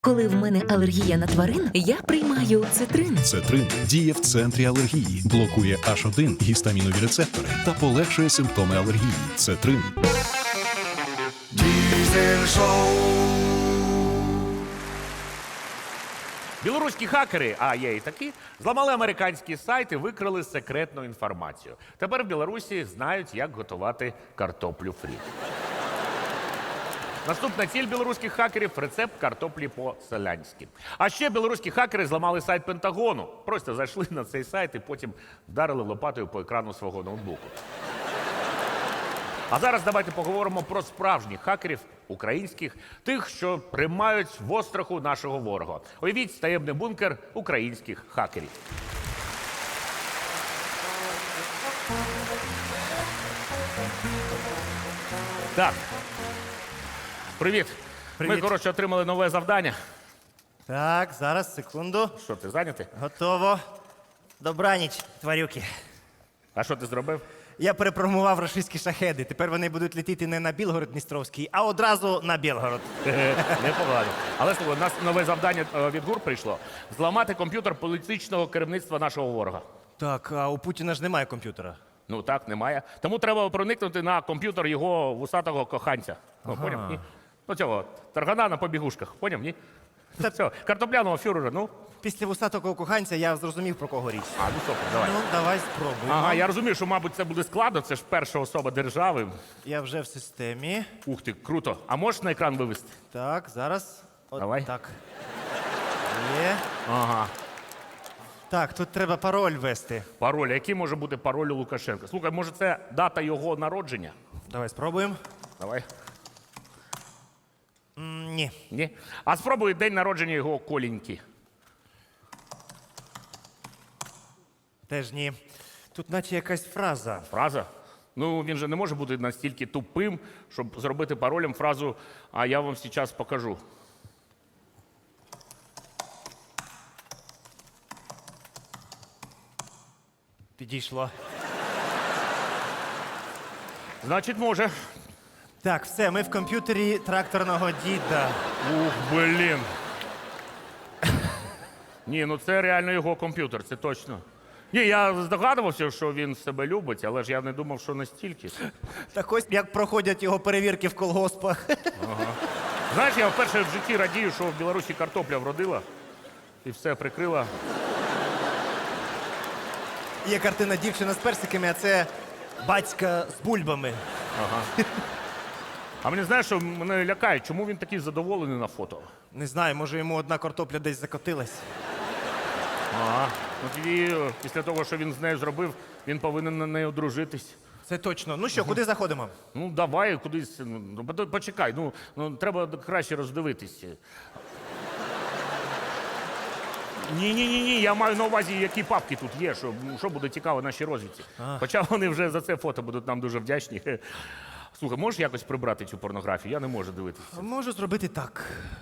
Коли в мене алергія на тварин, я приймаю цитрин. Цетрин діє в центрі алергії, блокує H1 гістамінові рецептори та полегшує симптоми алергії. Цетрин. Diesel Show. Білоруські хакери, а є і такі, зламали американські сайти, викрили секретну інформацію. Тепер в Білорусі знають, як готувати картоплю фрі. Наступна ціль білоруських хакерів – рецепт картоплі по-селянськи. А ще білоруські хакери зламали сайт Пентагону. Просто зайшли на цей сайт і потім вдарили лопатою по екрану свого ноутбуку. А зараз давайте поговоримо про справжніх хакерів, українських, тих, що тримають в остраху нашого ворога. Уявіть таємний бункер українських хакерів. Так. Привіт. Привіт. Ми, отримали нове завдання. Так, зараз, секунду. Що, ти зайнятий? Готово. Добраніч, тварюки. А що ти зробив? Я перепрограмував рашистські шахеди. Тепер вони будуть летіти не на Білгород-Дністровський, а одразу на Білгород. Непогано. Але слухай, у нас нове завдання від ГУР прийшло. Зламати комп'ютер політичного керівництва нашого ворога. Так, а у Путіна ж немає комп'ютера. Ну так, немає. Тому треба проникнути на комп'ютер його вусатого коханця. Ну, поняв? Ні? Ну цього, таргана на побігушках. Поняв, ні? Та- Все, картопляного фюрера, ну. Після вусатого коханця я зрозумів, про кого річ. А, ну супер, давай. Ну, давай спробуємо. Ага, я розумію, що, мабуть, це буде складно, це ж перша особа держави. Я вже в системі. Ух ти, круто. А можеш на екран вивести? Так, зараз. От Давай. так. Є. Ага. Так, тут треба пароль ввести. Пароль. А який може бути пароль у Лукашенка? Слухай, може це дата його народження? Давай спробуємо. Давай. Ні. Ні? А спробуй день народження його Коліньки. Теж ні. Тут наче якась фраза. Фраза? Ну, він же не може бути настільки тупим, щоб зробити паролем фразу «А я вам зараз покажу». Підійшло. Значить, може. Так, все, ми в комп'ютері тракторного діда. Ух, блін. Ні, ну це реально його комп'ютер, це точно. Ні, я здогадувався, що він себе любить, але ж я не думав, що настільки. Так ось як проходять його перевірки в колгоспах. Знаєш, я вперше в житті радію, що в Білорусі картопля вродила і все прикрила. Є картина дівчина з персиками, а це батька з бульбами. А мені знаєш, що мене лякає, чому він такий задоволений на фото? Не знаю, може йому одна картопля десь закотилась. Ага. Ну тоді, після того, що він з нею зробив, він повинен на неї одружитись. Це точно. Ну що, куди заходимо? Ну, Ну, давай кудись. Ну, почекай, ну треба краще роздивитись. Ні, я маю на увазі, які папки тут є, що буде цікаво нашій розвідці. Хоча вони вже за це фото будуть нам дуже вдячні. Слухай, можеш якось прибрати цю порнографію? Я не можу дивитися. Можу зробити так.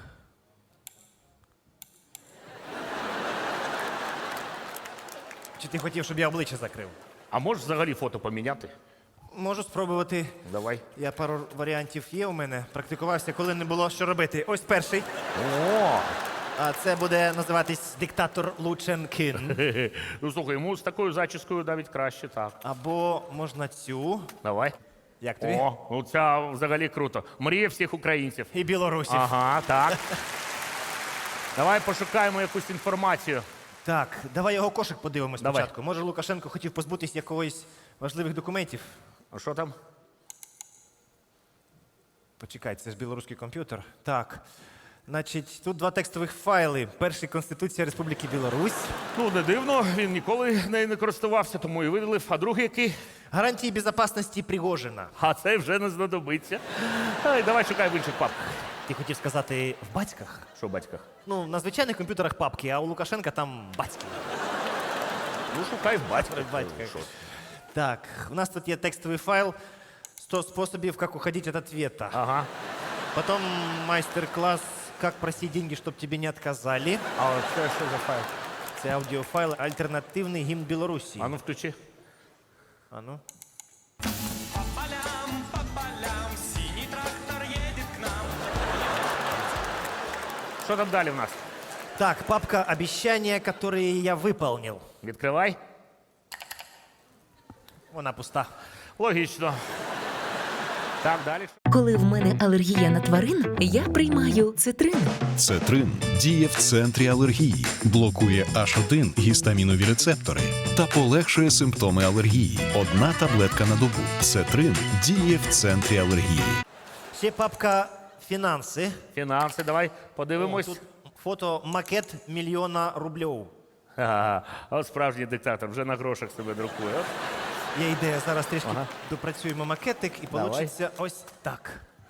Чи ти хотів, щоб я обличчя закрив? А можеш взагалі фото поміняти? Можу спробувати. Давай. Я пару варіантів є у мене. Практикувався, коли не було що робити. Ось перший. О! А це буде називатись диктатор Лученкін. Ну слухай, йому з такою зачіскою навіть краще, так. Або можна цю. Давай. Як тобі? О, ну ця взагалі круто. Мрія всіх українців. І білорусів. Ага, так. Давай пошукаємо якусь інформацію. Так, давай його кошик подивимось Давай. спочатку. Може, Лукашенко хотів позбутись якогось важливих документів. А що там? Почекай, це ж білоруський комп'ютер. Так. Значить, тут два текстових файли. Перший Конституція Республіки Білорусь. Ну, не дивно, він ніколи нею не користувався, тому і видалив. А другий який? Гарантії безпечності Пригожина. А це вже не знадобиться. Ай, давай шукай в інших папках. Ти хотів сказати в батьках? Що в батьках? Ну, на звичайних комп'ютерах папки, а у Лукашенка там батьки. Ну, шукай в батьках. В батьках. Що? Так, у нас тут є текстовий файл 100 способів, як уходить від ответа. Ага. Потом мастер-класс «Как просить деньги, чтобы тебе не отказали». А от це що за файл? Це аудіофайл «Альтернативний гімн Білорусі». А ну включи. А ну. що там далі в нас? Так, папка «Обещания, которые я выполнил». Відкривай. Вона пуста. Логічно. Так, далі. Коли в мене алергія на тварин, я приймаю цитрин. Цетрин діє в центрі алергії, блокує H1 гістамінові рецептори та полегшує симптоми алергії. Одна таблетка на добу. Цетрин діє в центрі алергії. Ще папка «Фінанси». Фінанси, давай О, подивимось. тут фото макет мільйона рублів. Ага, а от справжній диктатор вже на грошах себе друкує. От. Є ідея, зараз трішки допрацюємо макетик і Давай. вийде ось так.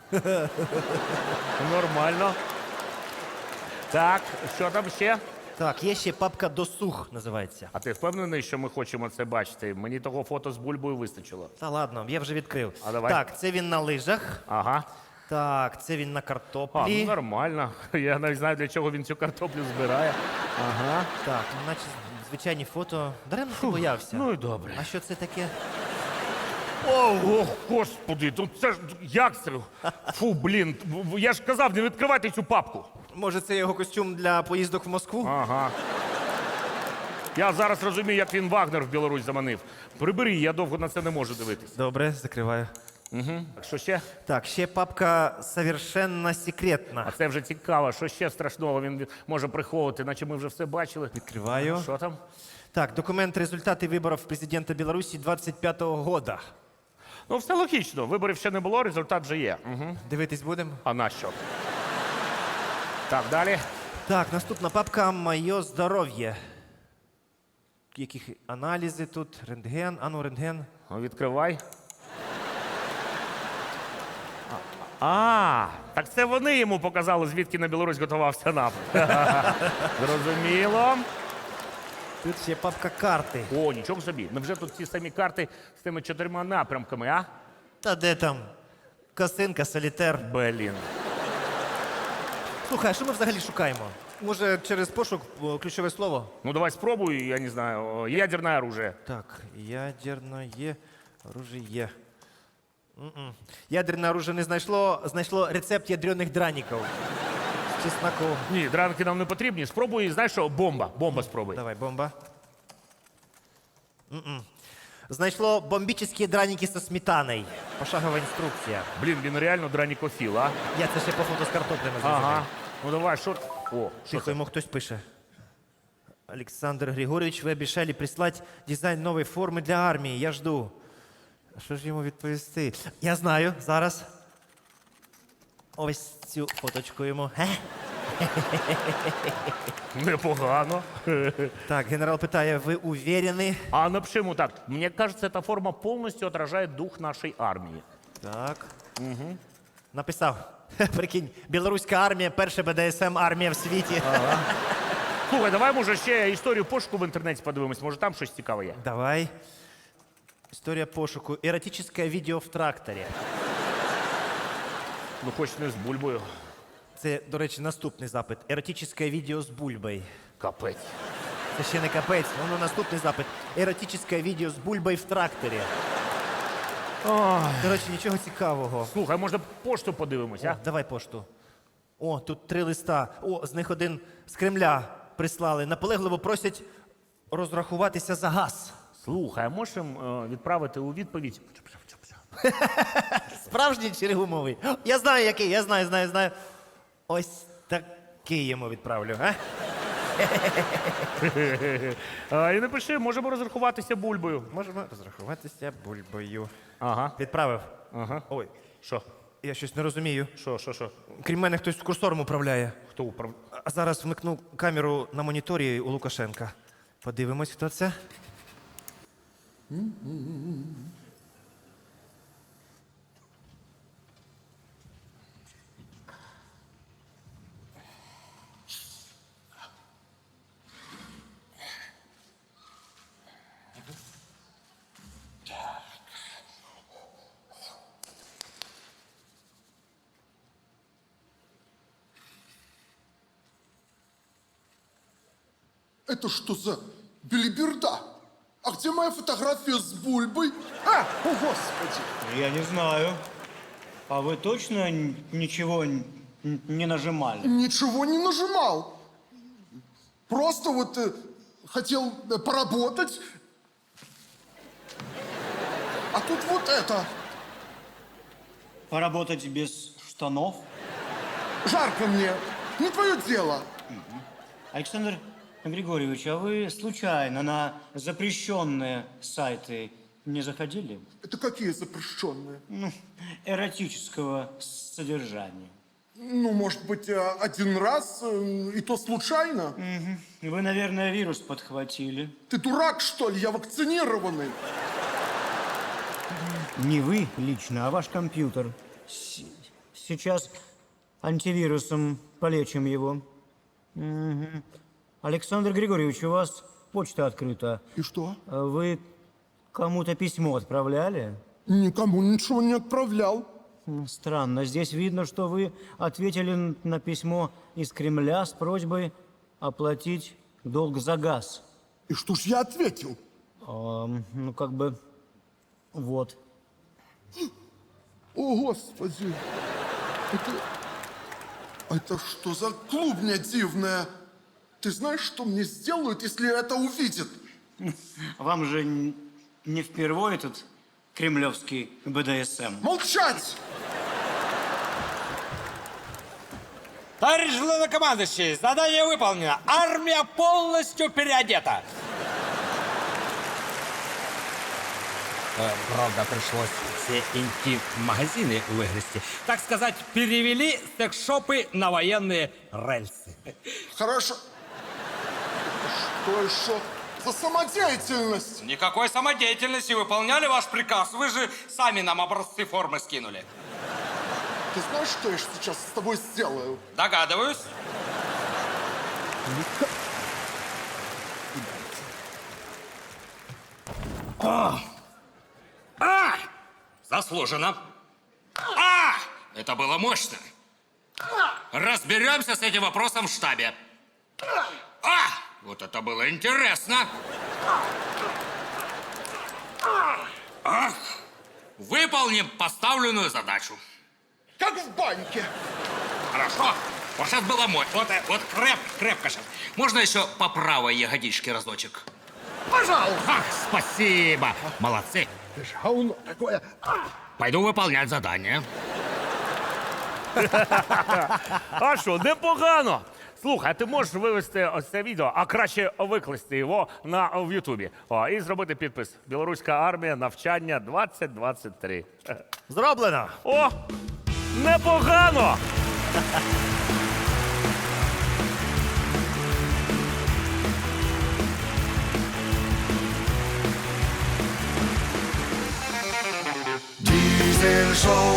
Нормально. Так, що там ще? Так, є ще папка «Досуг» називається. А ти впевнений, що ми хочемо це бачити? Мені того фото з бульбою вистачило. Та ладно, я вже відкрив. А давай. Так, це він на лижах. Ага. Так, це він на А, картоплі. ну нормально. Я навіть знаю, для чого він цю картоплю збирає. Ага. Так, ну наче звичайні фото. Даремно ти боявся. Ну і добре. А що це таке? Ох, господи, тут це ж як це? Фу, блін, я ж казав, не відкривайте цю папку. Може, це його костюм для поїздок в Москву? Ага. Я зараз розумію, як він Вагнер в Білорусь заманив. Прибери, я довго на це не можу дивитись. Добре, закриваю. Так що ще? Так, ще папка «Совершенно секретна». А це вже цікаво, що ще страшного він може приховувати, наче ми вже все бачили. Відкриваю. Що там? Так, документ результати виборів президента Білорусі 25-го года. Ну, все логічно. Виборів ще не було, результат вже є. Угу. Дивитись будемо? А на що? Так, далі. Так, наступна папка «Моє здоров'я». Яких аналізи тут? Рентген. Ану, рентген. Ну, відкривай. Так це вони йому показали, звідки на Білорусь готувався напад. Зрозуміло. Тут ще папка карти. О, нічого собі. Невже тут ті самі карти з тими 4 напрямками, а? Та де там? Косинка, солітер. Блін. Слухай, а що ми взагалі шукаємо? Може, через пошук ключове слово? Ну, давай спробуй, я не знаю, ядерне оружие. Так, ядерне оружие. Ядерне оружие не знайшло рецепт ядрених драників. З чесноком. Ні, дранки нам не потрібні. Спробуй, знаєш що, бомба. Бомба спробуй. Давай, бомба. Знайшло бомбічні драники зі сметаною. Пошагова інструкція. Блін, він реально дранікофіл, а? Я це ще по фото з картоплями зрозумів. Ага. Ну давай, що? О, що Тихо, це? йому хтось пише. Александр Григорьевич, ви обіцяли прислати дизайн нової форми для армії. Я жду. А що ж йому відповісти? Я знаю, зараз. Ось цю фоточку йому. Непогано. Так, генерал питає, ви уверені? А напиши ему так. Мне кажется, эта форма полностью отражает дух нашей армии. Так. Написав. Прикинь, білоруська армія, перша БДСМ армія в світі. Слухай, давай, може, ще історію пошуку в інтернеті подивимось. Може, там щось цікаве є. Давай. Історія пошуку. Еротичне відео в тракторі. Ну, хоч не з бульбою. Це, до речі, наступний запит. Еротичне відео з бульбою. Капець. Це ще не капець, воно наступний запит. Еротичне відео з бульбою в тракторі. Коротше, нічого цікавого. Слухай, може, пошту подивимось, О, а? давай пошту. О, тут 3 листа. О, з них один з Кремля прислали. Наполегливо просять розрахуватися за газ. Слухай, а можемо відправити у відповідь? Справжній чи гумовий? Я знаю, який, я знаю. Ось такий йому відправлю, а? І напиши, можемо розрахуватися бульбою. Можемо розрахуватися бульбою. Ага. Відправив. Ага. Ой, Що? я щось не розумію. Що? Крім мене, хтось курсором управляє. Хто управ... А зараз вмикну камеру на моніторі у Лукашенка. Подивимось, хто це. Это что за белиберда? А где моя фотография с бульбой? А, о господи! Я не знаю. А вы точно ничего не нажимали. Ничего не нажимал. Просто вот хотел поработать. А тут вот это. Поработать без штанов. Жарко мне. Не твое дело. Александр Григорьевич, а вы случайно на запрещенные сайты не заходили? Это какие запрещенные? Эротического содержания. Ну, может быть, один раз, и то случайно. Вы, наверное, вирус подхватили. Ты дурак, что ли? Я вакцинированный. Не вы лично, а ваш компьютер. Сейчас антивирусом полечим его. Мгм. Александр Григорьевич, у вас почта открыта. И что? Вы кому-то письмо отправляли? Никому ничего не отправлял. Странно. Здесь видно, что вы ответили на письмо из Кремля с просьбой оплатить долг за газ. И что ж я ответил? Ну, как бы, вот. О, Господи. Это что за клубня дивная? Ты знаешь, что мне сделают, если это увидят? Вам же не впервые этот кремлевский БДСМ. Молчать! Товарищ главнокомандующий, задание выполнено. Армия полностью переодета. Правда, пришлось все интим-магазины выгрести. Так сказать, перевели секс-шопы на военные рельсы. Хорошо. Что еще за самодеятельность? Никакой самодеятельности. Выполняли ваш приказ. Вы же сами нам образцы формы скинули. Ты знаешь, что я сейчас с тобой сделаю? Догадываюсь. Заслуженно. Это было мощно. Разберемся с этим вопросом в штабе. Вот это было интересно. Выполним поставленную задачу. Как в баньке. Хорошо. Вот сейчас было мощно. Вот крепко сейчас. Можно еще по правой ягодичке разочек? Пожалуйста. Спасибо. Молодцы. Ты ж говно такое. Пойду выполнять задание. А що, непогано. Слухай, а ти можеш вивести ось це відео, а краще викласти його в Ютубі. І зробити підпис. Білоруська армія, навчання 2023. Зроблено! О, непогано! Diesel Show.